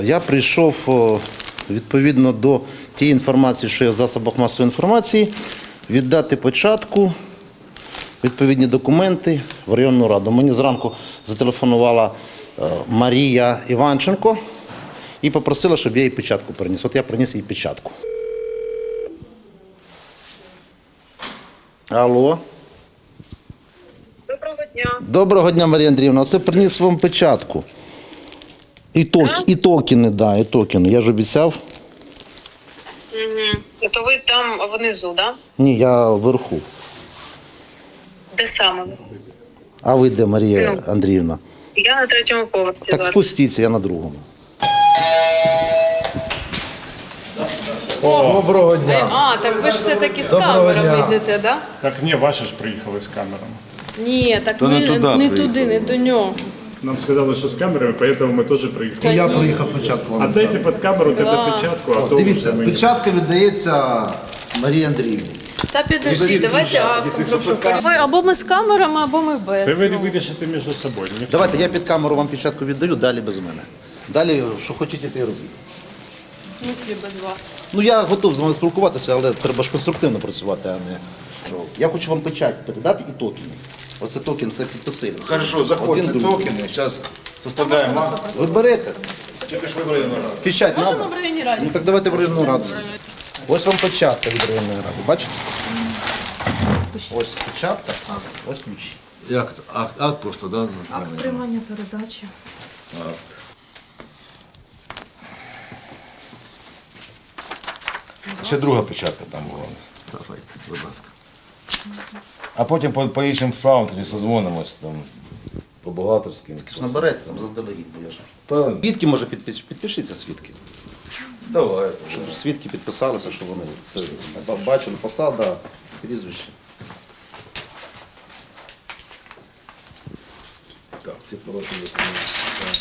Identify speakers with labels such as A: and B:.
A: Я прийшов відповідно до тієї інформації, що є в засобах масової інформації, віддати початку, відповідні документи в районну раду. Мені зранку зателефонувала Марія Іванченко і попросила, щоб я їй печатку приніс. От я приніс їй печатку. Алло.
B: Доброго дня.
A: Доброго дня, Марія Андріївна. Оце приніс вам печатку. І токени, да, і токени. Я ж обіцяв.
B: То ви там внизу, да?
A: Ні, я вверху.
B: Де саме?
A: А ви де, Марія Андріївна?
B: Я на 3-му поверсі.
A: Так
B: зараз.
A: спустіться, я на другому. Доброго дня.
C: А, так ви ж все-таки з
A: Доброго
C: камерами
A: дня.
C: йдете, да?
D: Так ні, ваші ж приїхали з камерами.
C: Ні, так ми не туди, не до нього.
D: Нам сказали, що з камерами, тому ми теж приїхали.
A: Я приїхав печатку вам.
D: А дайте під камеру тебе печатку, а то
A: Дивіться,
D: вже ми...
A: печатка віддається Марії Андріївні.
C: Та підожди, давайте акт. Ви або ми з камерами, або ми без.
D: Це ви вирішите між собою. Ніхто.
A: Давайте, я під камеру вам печатку віддаю, далі без мене. Далі, що хочете, те й робіть.
C: В смислі без вас?
A: Ну, я готов з вами спілкуватися, але треба ж конструктивно працювати, а не що. Я хочу вам печать передати і токени. Оце токен, це підписили.
E: Хорошо, заходите
A: Один, другий.
E: токены, сейчас составляем акт.
A: Ви берете?
E: Тільки ж вибрали на раз.
A: Печать
C: Можемо
A: треба?
C: в районній раді?
A: Ну так давайте в районну раду. Ось вам печатка від районної ради, бачите? Ось печатка, ось ключі.
E: Як акт просто, да?
C: Акт приймання передачі.
E: Ще друга печатка там була.
A: Давайте, будь ласка.
E: А потім по іншим справам тоді созвонимось там по бухгалтерським.
A: Наберете там заздалегідь, бо я ж.
E: Та,
A: Свідки, може, підпишіться свідки.
E: давай.
A: Щоб свідки підписалися, щоб вони це бачили, посада, прізвище.
E: Так, ці порушені документи.